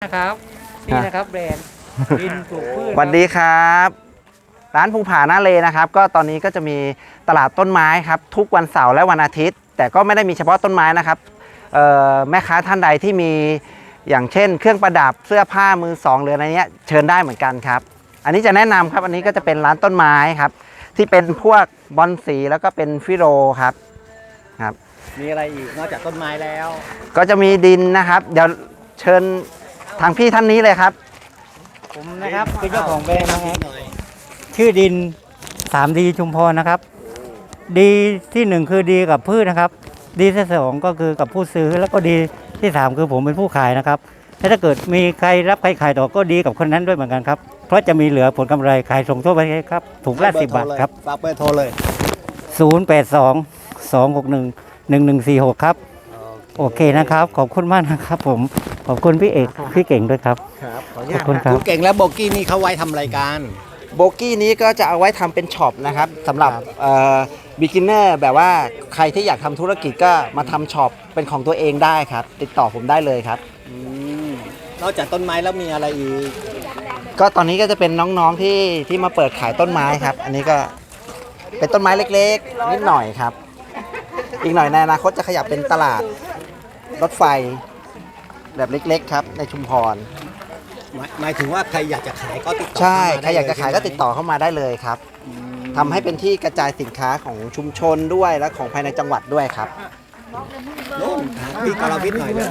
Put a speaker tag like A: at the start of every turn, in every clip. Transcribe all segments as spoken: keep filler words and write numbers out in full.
A: นะครับนี่นะครับแบรนด์ดินปลูกพืช
B: สวัสดีครับร้านภูผาหน้าเลนะครับก็ตอนนี้ก็จะมีตลาดต้นไม้ครับทุกวันเสาร์และวันอาทิตย์แต่ก็ไม่ได้มีเฉพาะต้นไม้นะครับแม่ค้าท่านใดที่มีอย่างเช่นเครื่องประดับเสื้อผ้ามือสองหรืออะไรเนี้ยเชิญได้เหมือนกันครับอันนี้จะแนะนำครับอันนี้ก็จะเป็นร้านต้นไม้ครับที่เป็นพวกบอนสีแล้วก็เป็นฟิโรครับครับ
A: มีอะไรอีกนอกจากต้นไม้แล้ว
B: ก็จะมีดินนะครับเดี๋ยวเชิญทางพี่ท่านนี้เลยครับ
A: ผมนะครับเป็นเจ้าของแบรนด์นะครับชื่อดิน สามดี ชุมพรนะครับดีที่หนึ่งคือดีกับพืชนะครับดีที่สองก็คือกับผู้ซื้อแล้วก็ดีที่สามคือผมเป็นผู้ขายนะครับถ้าเกิดมีใครรับใครขายต่อก็ดีกับคนนั้นด้วยเหมือนกันครับเพราะจะมีเหลือผลกำไรขายส่งทั่วประเทศครับถุงละสิบบาทครับ
C: ฝากเบอร์โทรเลย
A: ศูนย์ แปด สอง สอง หก หนึ่ง หนึ่ง หนึ่ง สี่ หกครับโอเคนะครับขอบคุณมากนะครับผมขอบคุณพี่เอกพี่เก่งด้วยครับ
C: ครับ
A: ขอบคุณครับ
C: คุณเก่งและโบกี้นี่เขาไว้ทำรายการ
B: โบกี้นี้ก็จะเอาไว้ทำเป็นช็อปนะครับสำหรับบิ๊กินเนอร์แบบว่าใครที่อยากทำธุรกิจก็มาทำช็อปเป็นของตัวเองได้ครับติดต่อผมได้เลยครับ
C: นอกจากต้นไม้แล้วมีอะไรอีก
B: ก็ตอนนี้ก็จะเป็นน้องๆที่ที่มาเปิดขายต้นไม้ครับอันนี้ก็เป็นต้นไม้เล็กๆนิดหน่อยครับอีกหน่อยในอนาคตจะขยับเป็นตลาดรถไฟแบบเล็กๆครับในชุมพร
C: หมายถึงว่าใครอยากจะขายก็ติดต่อ
B: ใช่ใครอยากจะขายก็ติดต่อเข้ามาได้เลยครับทำให้เป็นที่กระจายสินค้าของชุมชนด้วยและของภายในจังหวัดด้วยครับ
C: นู่นพี่กรวิทย์หน่อยเลย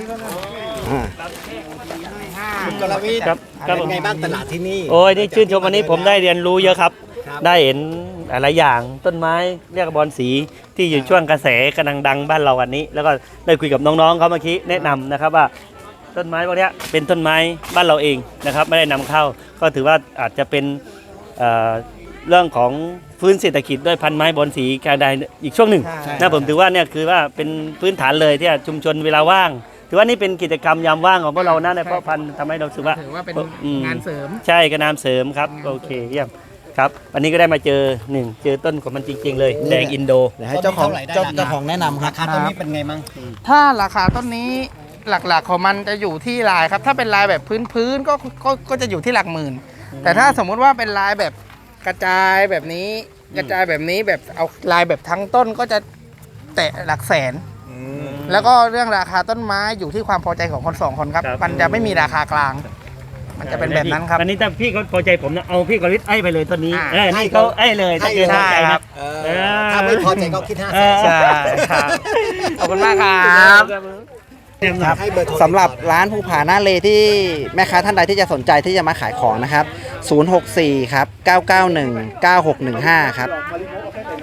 C: คุณกรวิทย์เป็นไงบ้างตลาดที่นี่
D: โอ้ยนี่ชื่นชมวันนี้ผมได้เรียนรู้เยอะครับได้เห็นหลายอย่างต้นไม้เรียกบอลสีที่อยู่ช่วงกระแสกำลังดังบ้านเราวันนี้แล้วก็ได้คุยกับน้องๆเขาเมื่อกี้แนะนำนะครับว่าต้นไม้พวกนี้เป็นต้นไม้บ้านเราเองนะครับไม่ได้นำเข้าก็ถือว่าอาจจะเป็นเอ่อเรื่องของฟื้นเศรษฐกิจด้วยพันไม้บอลสีการใดอีกช่วงหนึ่งนะผมถือว่าเนี่ยคือว่าเป็นพื้นฐานเลยที่ชุมชนเวลาว่างถือว่านี่เป็นกิจกรรมยามว่างของพวกเรานะในเพราะพันทำให้เราสึกว่า
A: ถือว่าเป็นงานเสริม
D: ใช่กระนามเสริมครับโอเคเยี่ยมครับวันนี้ก็ได้มาเจอหนึ่งเจอต้นของมันจริงๆเลยแดงอินโด
B: เดี๋ยวให้เจ้าของเจ้าของแนะนำครับ
C: ราคาต้นนี้เป็นไงมั่ง
E: ถ้าราคาต้นนี้หลักๆของมันจะอยู่ที่ลายครับถ้าเป็นลายแบบพื้นๆก็ก็ก็จะอยู่ที่หลักหมื่นแต่ถ้าสมมุติว่าเป็นลายแบบกระจายแบบนี้กระจายแบบนี้แบบเอาลายแบบทั้งต้นก็จะแตะหลักแสนแล้วก็เรื่องราคาต้นไม้อยู่ที่ความพอใจของคนสองคนครับมันจะไม่มีราคากลางมันจะเป็นแบบนั้นครับ
D: อันนี้ถ้าพี่เขาพอใจผมนะเอาพี่กฤษไอ้ไปเลยต้นนี้เออนี่เขาไอ้เลยถ้าเกิดพอใจครับ
C: ถ้าไม่พอใจก็คิดห้าแสน
B: ใช่ครับขอบคุณมากครับสำหรับร้านภูผาหน้าเลที่แม่ค้าท่านใดที่จะสนใจที่จะมาขายของนะครับศูนย์ หก สี่ ครับ เก้า เก้า หนึ่ง เก้า หก หนึ่ง ห้า ครับ